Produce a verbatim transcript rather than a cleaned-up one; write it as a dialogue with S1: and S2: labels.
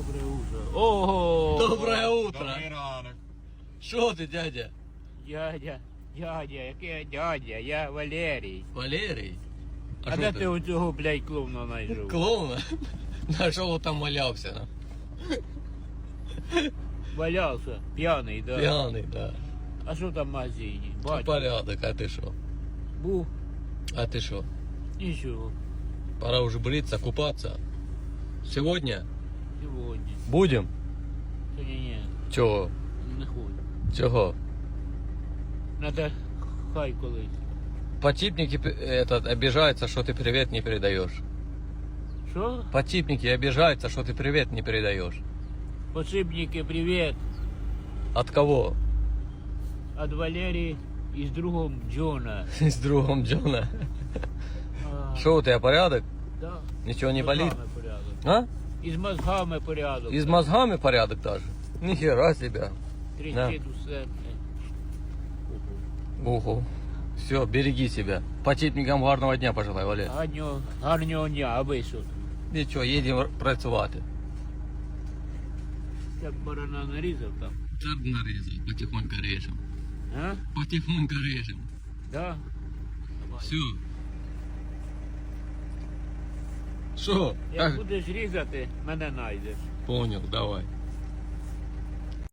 S1: Доброе утро. Ого!
S2: Доброе утро.
S3: Добрий ранок.
S2: Що ти, дядя?
S1: Дядя, дядя, який я дядя? Я Валерій.
S2: Валерій?
S1: А,
S2: що
S1: де ти оцього, блядь, клоуна знайшов?
S2: Клоуна? На що там валявся? на?
S1: Валявся, п'яний, да.
S2: П'яний, да.
S1: А що там в магазині? Бачу.
S2: Порядок, а ти що?
S1: Був,
S2: А ти що?
S1: нічого.
S2: Пора уже бриться, купаться. Сегодня?
S1: Сьогодні.
S2: Будем?
S1: Сьогодні ні,
S2: Чого?
S1: не хочу.
S2: Чого?
S1: Надо хай колись.
S2: Потипники п- этот, обижаются, что ты привет не передаешь.
S1: Що?
S2: Потипники обижаются, что ты привет не передаешь.
S1: Посибники, привіт.
S2: От кого?
S1: От Валерії і з другом Джона.
S2: С другом Джона.
S1: А,
S2: Что у тебя порядок?
S1: да.
S2: Ничего не
S1: З
S2: болит?
S1: мозгами порядок.
S2: А?
S1: І з мозгами порядок.
S2: И с мозгами порядок даже? Нихера себе.
S1: Трещить усе.
S2: Уху. Все, береги себя. Потипникам гарного дня пожелай, Валер.
S1: Гарнього, гарнього дня, а ви що?
S2: Нічого, їдемо працювати.
S1: Як барана нарізав там?
S2: Так нарізав, потихоньку режем.
S1: А?
S2: Потихоньку режем.
S1: Да?
S2: Все. Що?
S1: Як будеш різати, мене знайдеш.
S2: Понял, давай.